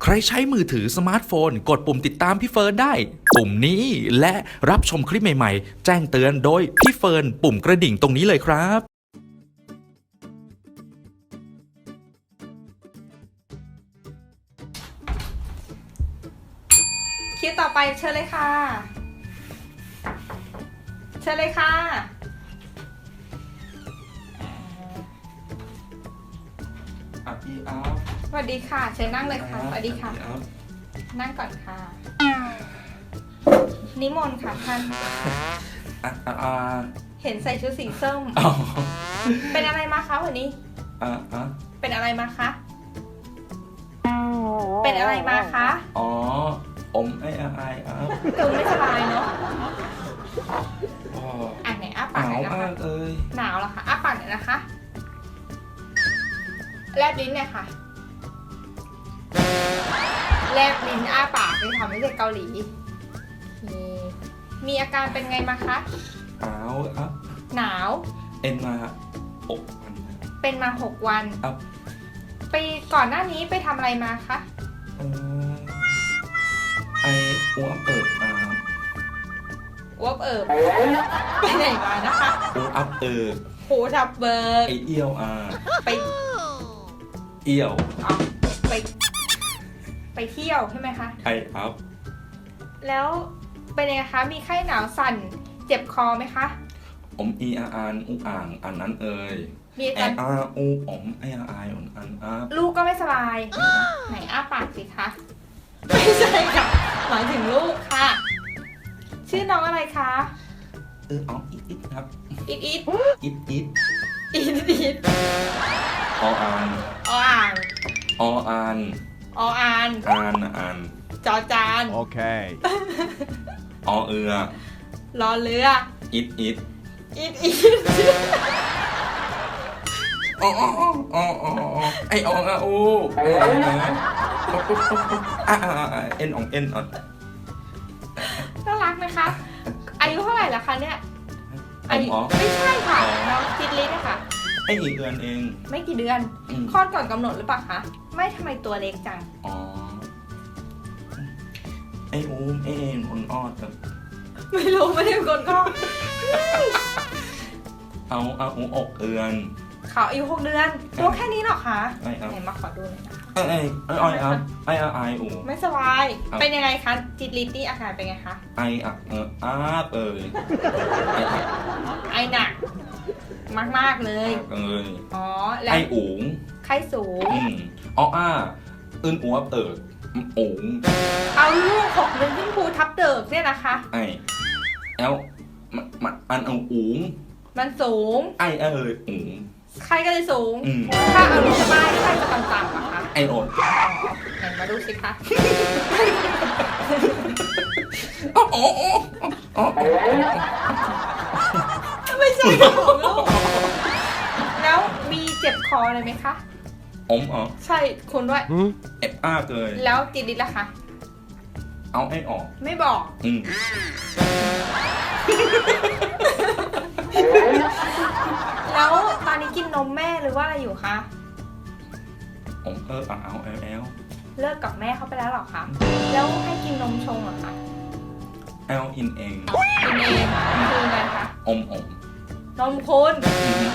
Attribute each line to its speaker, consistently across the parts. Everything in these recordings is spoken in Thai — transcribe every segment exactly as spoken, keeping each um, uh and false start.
Speaker 1: ใครใช้มือถือสมาร์ทโฟนกดปุ่มติดตามพี่เฟิร์นได้ปุ่มนี้และรับชมคลิปใหม่ๆแจ้งเตือนโดยพี่เฟิร์นปุ่มกระดิ่งตรงนี้เลยครับ
Speaker 2: คิวต่อไปเชิญเลยค่ะเชิญเลยค่ะ
Speaker 1: อ่ะพี่อัพ
Speaker 2: สวัสดีค่ะเชิญนั่งเลยค่ะสวัสดีค่ะนั่งก่อนค่ะนิมนต์ค่ะท่าน
Speaker 1: อ่ะอ่ะอ่ะ
Speaker 2: เห็นใส่ชุดสีส้ม
Speaker 1: อ๋อ
Speaker 2: เป็นอะไรมาคะวันนี้
Speaker 1: อ่ะอ่ะ
Speaker 2: เป็นอะไรมาคะเป็นอะไรมาคะ
Speaker 1: อ๋ออมไอ้ไอ้อ่ะ
Speaker 2: คือไม่สบายเนาะ
Speaker 1: อ๋อ
Speaker 2: อ่ะไหนอ้าปาก
Speaker 1: ห
Speaker 2: ห
Speaker 1: นา
Speaker 2: น่
Speaker 1: ว
Speaker 2: อยนะ
Speaker 1: มา
Speaker 2: คะ
Speaker 1: กเลย
Speaker 2: หนาวเหรอคะอ้าปากหน่อยนะคะแลบลิ้นเนี่ยค่ะแลบลิ้นอ้าปากไปทำไม่ใช่เกาหลีมีมีอาการเป็นไงมาคะ
Speaker 1: หนาวอ่ะ
Speaker 2: หนาว
Speaker 1: เอ็นมาอกมัน
Speaker 2: เป็นมาหกวัน
Speaker 1: อ่ะ
Speaker 2: ไปก่อนหน้านี้ไปทำอะไรมาคะ
Speaker 1: เออไออ้วกเอิบอ่ะ
Speaker 2: อ้วกเอิบไปไหนมานะคะ
Speaker 1: อ้วกเอิบ
Speaker 2: โหทับเบิร์
Speaker 1: ไอเอี้ยวอ่ะ
Speaker 2: ไป
Speaker 1: เอี้ยว
Speaker 2: เอาไปไปเที่ยวใช่ไหมคะ
Speaker 1: ไออัพ
Speaker 2: แล้วเป็นยังไงคะมีไข้หนาวสั่นเจ็บคอไหมคะ
Speaker 1: อมอีอาอานอุอ่างอันนั้นเอ่ย
Speaker 2: มีอา
Speaker 1: แอ
Speaker 2: การ
Speaker 1: อาอูอมไออาไออันอันอัพ
Speaker 2: ลูกก็ไม่สบาย ไหนอ้าปากสิคะ ไม่ใช่ค่ะ หมายถึงลูกค่ะ ชื่อน้องอะไรคะ
Speaker 1: เอออ๋ออิดอิดครับ
Speaker 2: อิดอิด
Speaker 1: อิดอิด
Speaker 2: อิดอิด
Speaker 1: ออาน
Speaker 2: ออ่าง
Speaker 1: ออาน
Speaker 2: ออาน
Speaker 1: อานอาน
Speaker 2: จอจาน
Speaker 3: Okay.
Speaker 1: อเอือ
Speaker 2: รอเรือ
Speaker 1: อิดอิด
Speaker 2: อิดอิด
Speaker 1: อ๋ออ๋ออ๋ออ๋อไออองอาอูเอออ่าเอ็นของเอ็นอ่ะ
Speaker 2: น่ารักไหมคะ อายุเท่าไหร่ละคะเนี่ย
Speaker 1: ไอ
Speaker 2: อายุ
Speaker 1: หมอ
Speaker 2: ไม่ใช่ค่ะน้องจิตลิศนะคะ
Speaker 1: ไออีกเดือนเอง
Speaker 2: ไม่กี่เดือน
Speaker 1: อืม
Speaker 2: คลอดก่อนกำหนดหรือเปล่าคะ ไม่ทำไมตัวเล็กจัง
Speaker 1: อ๋อไออูมไอเอ็นคนออดกับ
Speaker 2: ไม่รู้ไม่ได้เป็นคนคลอด
Speaker 1: เอาเอาอูอกเอือน
Speaker 2: เขาอายุหกเดือน ตัวแค่นี้เหรอคะ
Speaker 1: ไอเอา
Speaker 2: ไหนมาขอดูหน่อยนะคะ
Speaker 1: ไอไอไอไออัพไออาไออู
Speaker 2: ไม่สบาย
Speaker 1: ครับ
Speaker 2: เป็นยังไงคะ จิตลิศนี่อาการเป็นไงคะ
Speaker 1: ไออะเอออาบเอ่ยไออะ
Speaker 2: ไอหนัก มากๆเลย
Speaker 1: เอ่ย
Speaker 2: อ๋อ แล้
Speaker 1: ไอ
Speaker 2: ว
Speaker 1: อูง
Speaker 2: ไข้สูง
Speaker 1: อืมอ้ออ้าอึนอัวเอิกอูง
Speaker 2: เอาลูกหกเดือนขึ้นภูทับเดิกเนี่ยนะคะ
Speaker 1: ไอแอลมันมันอันเอาอูง
Speaker 2: มันสูง
Speaker 1: ไอเอ่ยอูง
Speaker 2: ไข้ก็เลยสูง
Speaker 1: อืม
Speaker 2: ถ้าเอาลงมาไข้จะต่ำๆอะคะ
Speaker 1: ไอโอด
Speaker 2: ไหนมาดูสิคะ
Speaker 1: อ๋ออ๋ออ๋ออ๋อ
Speaker 2: ไม่ใช่ของลูก แล้วมีเจ็บคอเลยไหมคะ
Speaker 1: อมอ๋อ
Speaker 2: ใช่คุณด้วย
Speaker 3: Hmm?
Speaker 1: เอฟอ้าเกย
Speaker 2: แล้วจิตลิศล่ะคะ
Speaker 1: เอาไอออก
Speaker 2: ไม่บอก
Speaker 1: อืม
Speaker 2: แล้วตอนนี้กินนมแม่หรือว่าอะไรอยู่คะ
Speaker 1: อมเออเอาเอาแอลแอล
Speaker 2: เลิกกับแม่เขาไปแล้วเหรอคะ แล้วให้กินนมชงเหรอคะ
Speaker 1: แอลอินเอง
Speaker 2: กินเองคือไงคะ
Speaker 1: อมอม
Speaker 2: นมคุณ
Speaker 1: อืม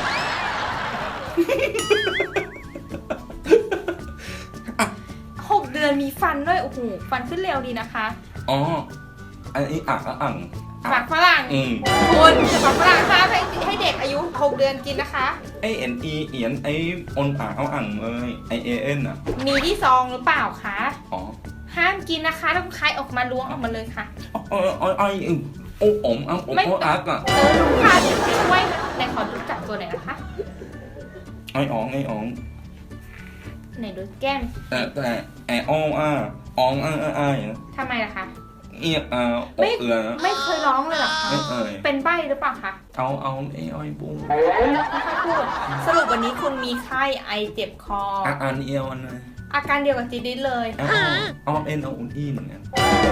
Speaker 2: หกเดือนมีฟันด้วย โอ้โห ฟันขึ้นเร็วดีนะคะ
Speaker 1: อ๋ออันนี้อ่ะอ่ะอ่ะ
Speaker 2: ฝากฝรั่ง
Speaker 1: อืม
Speaker 2: คุณจะฝากฝรั่งคะให้ให้เด็กอายุหกเดือนกินนะคะ
Speaker 1: ไอเอ็นอีเอียนไอออนอ่ะเอาอ่างเลยไอเอเอ็นอ่ะ
Speaker 2: มีที่ซองหรือเปล่าคะ
Speaker 1: อ๋อ
Speaker 2: ห้ามกินนะคะต้องคายออกมาล้วงออกมาเลยค่ะ
Speaker 1: ไอไอไอโอ้อมอ่ะโอ้โอ้อักอ่ะ
Speaker 2: เออลูกค้าช่วยไหนขอรู้จักตัวไหนอยนะคะ
Speaker 1: ไออ๋องไออ๋อง
Speaker 2: ไหนดูแก้ม
Speaker 1: แต่แต่ไออองอ่ะอองอ่ะอ่ะอ่ะ
Speaker 2: ทำไมล่ะคะ
Speaker 1: เอียอ่ะอ
Speaker 2: ไม่
Speaker 1: กเอือ
Speaker 2: ไม่เคยร้องเลยเหรอคะ
Speaker 1: ไม่เอ่ย
Speaker 2: เป็นใบหรือเปล่าคะ
Speaker 1: เอาเอาไออ้อยบุ้ง
Speaker 2: ไม่ค่อยพูด สรุปวันนี้คุณมีไข้ไอเจ็บคอ
Speaker 1: อ่ะอันเอียวอันเลย
Speaker 2: อาการเดียวกับจีดิสเลย
Speaker 1: เอาเอาเอ็นเอาอุ่นอี้เหมือนกัน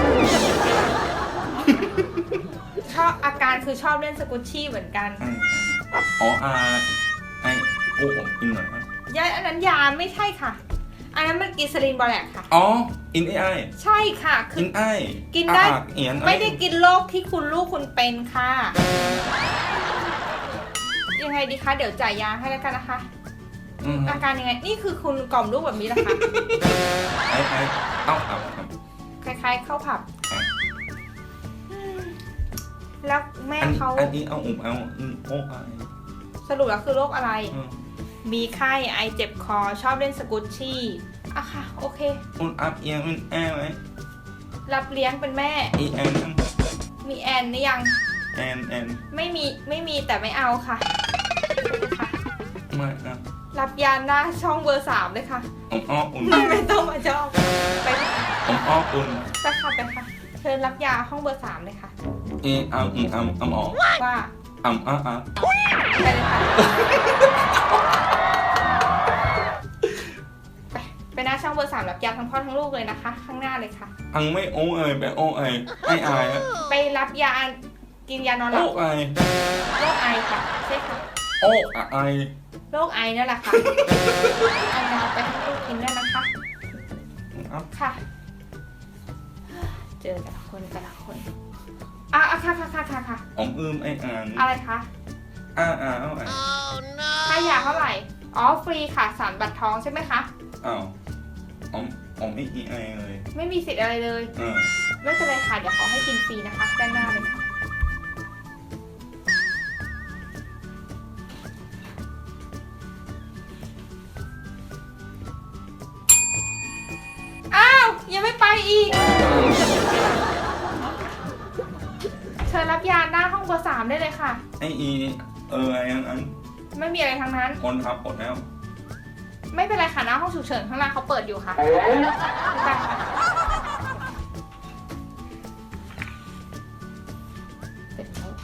Speaker 2: ชอบอาการคือชอบเล่นสกุชชี่เหมือนกัน
Speaker 1: อ๋ออาไอโอ้อมอีกหน่อย
Speaker 2: ยาอันนั้นยาไม่ใช่ค่ะอันนั้นมันกินสลินบอแลกค่ะ
Speaker 3: อ๋ออินไอไอ
Speaker 2: ใช่ค่ะคื
Speaker 3: อิ
Speaker 2: อน
Speaker 3: ไอ
Speaker 2: กินได้
Speaker 3: อ่ะเอียน
Speaker 2: ไม่ได้กินโรคที่คุณลูกคุณเป็นค่ะ ยังไงดีคะเดี๋ยวจ่ายยาให้แล้วกันนะคะ
Speaker 3: อืม
Speaker 2: อาการยังไงนี่คือคุณกล่อมลูกแบบนี้แหละค่ะ
Speaker 3: ไอไอเอ้าครับครับ
Speaker 2: คล้ายๆเข้าผับ
Speaker 3: อ่ะ
Speaker 2: อืมแล้วแม่
Speaker 3: อัน
Speaker 2: เขา
Speaker 3: อันนี้เอาอุ่มเอาอืมโอ้ไอ
Speaker 2: สรุปแล้วคือโรคอะไร
Speaker 3: อืม
Speaker 2: มีไข้ไอเจ็บคอชอบเล่นสกุชชี่อะค่ะ โอเค
Speaker 3: อุ่นอัพเอียงอุ่นแอไหม
Speaker 2: รับเลี้ยงเป็นแม่
Speaker 3: อีแอน
Speaker 2: มีแอนหรือยัง
Speaker 3: แอนแอน
Speaker 2: ไม่มีไม่มีแต่ไม่เอาค่ะค่ะ
Speaker 3: ไม่อ่ะ
Speaker 2: รับยาหน้าช่องเบอร์สามเลยค่ะ
Speaker 3: ผมอ้ออุ่น
Speaker 2: ไม่ต้องมาจองไป
Speaker 3: ผมอ้ออุ่น
Speaker 2: ไปค่ะไปค่ะเชิญรับยาห้องเบอร์สามเลยค่ะ
Speaker 3: เอเอาอืมเอาเอาออก
Speaker 2: ว่า
Speaker 3: อ่ำอ่ะอ่ะ
Speaker 2: ไปเลยค่ะไปไปหน้าช่องเบอร์สามรับยาทั้งพ่อทั้งลูกเลยนะคะ ข้างหน้าเลยค่ะ
Speaker 3: อังไม่โอ้เอยไปโอ้เอยไอไออะ
Speaker 2: ไปรับยากินยานอนหลั
Speaker 3: โอ้
Speaker 2: บ
Speaker 3: ไอ
Speaker 2: โรคไอค่ะใช่ค่ะ
Speaker 3: โอ้อะไอ
Speaker 2: โรคไอนั่นแหละค่ะเอายาไปให้ลูกกินได้นะคะ
Speaker 3: อัพ
Speaker 2: ค่ะ เจอแต่ละคนแต่ละคนอ่ะอ่ะค่ะค่ะค่ะค่ะค่ะ
Speaker 3: ผมอืมไออ่าน
Speaker 2: อะไรคะ
Speaker 3: อ่าอ่าเอาไอ
Speaker 2: ค่ายาเท่าไหร่อ๋อฟรีค่ะสารบัตรทองใช่ไหมคะ
Speaker 3: อ้าวผมผมไม่อีไอเลย
Speaker 2: ไม่มีสิทธิ์อะไรเลย
Speaker 3: เออ
Speaker 2: ไม่เป็นไรค่ะ เดี๋ยวขอให้กินฟรีนะคะ ด้านหน้าเลยค่ะ อ้าว ยังไม่ไปอีก เชิญรับยาหน้าห้องเบอร์สามได้เลยค่ะ
Speaker 3: ไออีเออไออันอัน
Speaker 2: ไม่มีอะไรทั้งนั้น
Speaker 3: คนทับหมดแล้ว
Speaker 2: ไม่เป็นไรค่ะหน้าห้องฉุกเฉินข้างล่างเขาเปิดอยู่ค่ะไปค่ะเสร็จแล้ว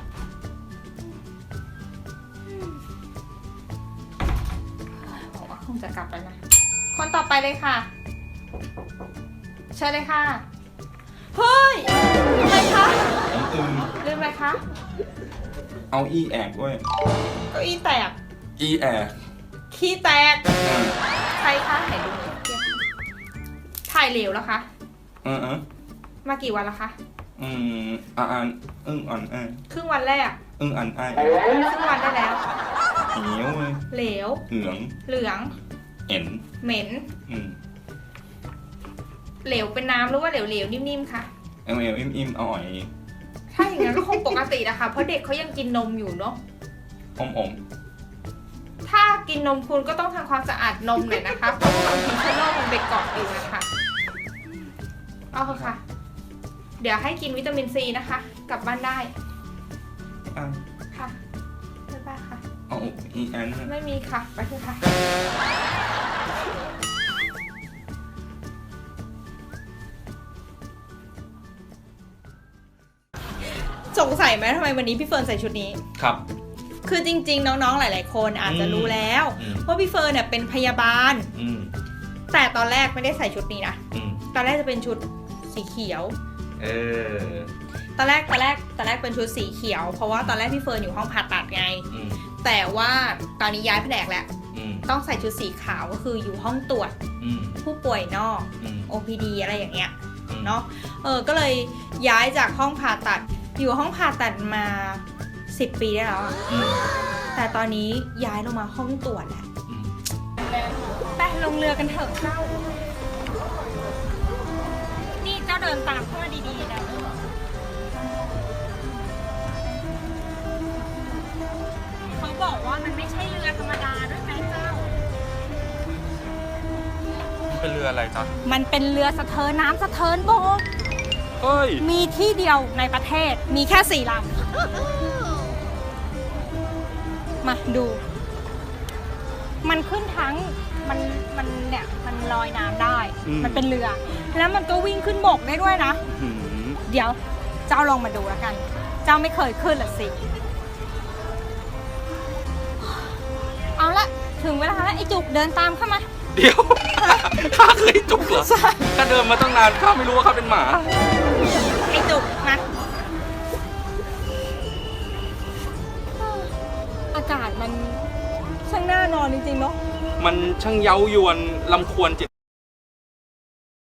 Speaker 2: ผมว่าคงจะกลับแล้วนะ คนต่อไปเลยค่ะ เชิญเลยค่ะ เฮ้ยทำไมคะ
Speaker 3: ผมอืม
Speaker 2: ลืมอะไรคะ
Speaker 3: เอาอีแอกด้วย
Speaker 2: เก้าอี้แตก
Speaker 3: อีแอก
Speaker 2: ขี้แตก
Speaker 3: อ่า
Speaker 2: ใครคะไหนดูหน่อยเทียบถ่ายเหลวแล้วคะ
Speaker 3: เออเออ
Speaker 2: มากี่วันแล้วคะ
Speaker 3: อืมอ่าอ่านอึ้งอ่อนไอ
Speaker 2: ครึ่งวันแรก
Speaker 3: อึ้งอ่อนไอ
Speaker 2: ครึ่งวันได้แล้ว
Speaker 3: เหนียวเลย
Speaker 2: เหลว
Speaker 3: เหลือง
Speaker 2: เหลือง
Speaker 3: เอ็น
Speaker 2: เหม็น
Speaker 3: อืม
Speaker 2: เหลวเป็นน้ำหรือว่าเหลวเหลวๆนิ่มๆค่ะ
Speaker 3: เอ็มเอลอิ่มอิ่มเอาอ่อย
Speaker 2: ถ้าอย่างนั้นก็คงปกตินะคะเพราะเด็กเขายังกินนมอยู่เนาะ
Speaker 3: อมอม
Speaker 2: ถ้ากินนมคุณก็ต้องทำความสะอาดนมหน่อยนะคะเพราะว่าบางทีเชื้อโรคมันไปเกาะอยู่นะคะเอาเถอะค่ะ เดี๋ยวให้กินวิตามินซีนะคะ กลับบ้านได้
Speaker 3: อ่ะ
Speaker 2: ค่ะบ๊ายบายค่ะ
Speaker 3: เอาอีแอน
Speaker 2: ไม่มีค่ะ ไปเถอะค่ะ สงสัยไหมทำไมวันนี้พี่เฟิร์นใส่ชุดนี้
Speaker 1: ครับ
Speaker 2: คือจริงๆ น้องๆ หลายๆ คนอาจจะรู้แล้ว
Speaker 1: อืม
Speaker 2: ว่าพี่เฟิร์นเนี่ยเป็นพยาบาล
Speaker 1: อืม
Speaker 2: แต่ตอนแรกไม่ได้ใส่ชุดนี้นะ
Speaker 1: อืม
Speaker 2: ตอนแรกจะเป็นชุดสีเขียว
Speaker 1: เออ
Speaker 2: ตอนแรกตอนแรกตอนแรกเป็นชุดสีเขียว เพราะว่าตอนแรกพี่เฟิร์นอยู่ห้องผ่าตัดไง
Speaker 1: อืม
Speaker 2: แต่ว่าตอนนี้ย้ายแผนกแล้ว
Speaker 1: อืม
Speaker 2: ต้องใส่ชุดสีขาวก็คืออยู่ห้องตรวจ
Speaker 1: อืม
Speaker 2: ผู้ป่วยนอก
Speaker 1: อืม
Speaker 2: โอ พี ดี อะไรอย่างเงี้ย
Speaker 1: อืม
Speaker 2: เนาะ เออ ก็เลยย้ายจากห้องผ่าตัด อยู่ห้องผ่าตัดมาสิบปีได้แล้วอะ
Speaker 1: อืม
Speaker 2: แต่ตอนนี้ย้ายลงมาห้องตรวจแล้ว
Speaker 1: อืม
Speaker 2: ไปลงเรือกันเถอะเจ้า นี่เจ้าเดินตามเข้ามาดีๆนะเขาบอกว่ามันไม่ใช่เรือธรรมดาด้วยนะเจ้า
Speaker 1: เป็นเรืออะไรจ๊ะ
Speaker 2: มันเป็นเรือสะเทินน้ำสะเทินบก
Speaker 1: เฮ้ย
Speaker 2: มีที่เดียวในประเทศ มีแค่สี่ลำ มาดู มันขึ้นทั้ง มัน มันเนี่ย มันลอยน้ำได้
Speaker 1: อืม
Speaker 2: มันเป็นเรือ แล้วมันก็วิ่งขึ้นบกได้ด้วยนะ
Speaker 1: อืม
Speaker 2: เดี๋ยว เจ้าลองมาดูแล้วกัน เจ้าไม่เคยขึ้นหรอสิ เอาละ ถึงเวลาแล้วไอ้จุกเดินตามเข้ามา
Speaker 1: เดี๋ยว ข้าเคยจุกเหรอข้าเดินมาตั้งนานข้าไม่รู้ว่าข้าเป็นหมา
Speaker 2: ไอ้จุกนะอากาศมันช่างน่านอนจริงๆเนาะ
Speaker 1: อมันช่างเย้ายวนลำควรจิต